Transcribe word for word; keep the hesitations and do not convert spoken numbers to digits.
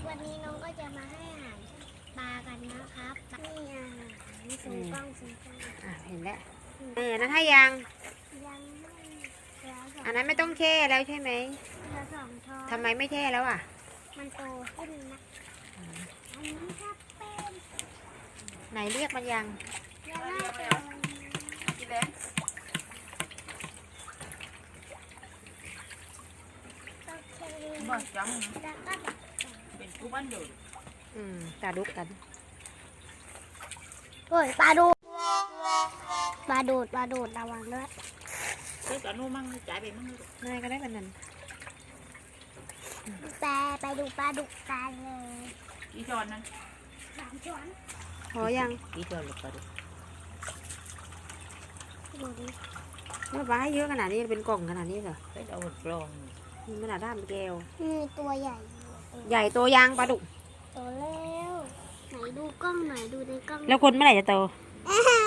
วันนี้น้องก็จะมาให้อาหารปลากันนะครับนี่อาหารสูงกล้องสูงกล้องอ่ะเห็นแล้วเออนั้นให้ยังยังไม่เหลือสองอันนั้นไม่ต้องแช่แล้วใช่ไหมเหลือสองช้อนทำไมไม่แช่แล้วอ่ะมันโตขึ้นนะอันนี้ครับเป็นไหนเรียกมันยังยังไม่โตกินแล้วโอเคบอกจังแล้วก็แบบเป็นผู้บ้านเดือดอืมตาดุกกันโอ้ยปลาดูดปลาดูดปลาดูดระวังด้วยเจ้ากับนู้มั่งจ่ายไปมั่งนายก็ได้กันนั่นแปลไปดูปลาดุกกันเลยกี่ช้อนนั้นสามช้อนพอยังกี่ช้อนลูกปลาดุกดูดิเมื่อวานให้เยอะขนาดนี้เป็นกล่องขนาดนี้เหรอไปเอากลองมันขนาดด้ามแก้วมีตัวใหญ่ใหญ่โตยางปลาดุกโตแล้วไหนดูกล้องหน่อยดูในกล้องแล้วคนเมื่อไหร่จะโตอ่า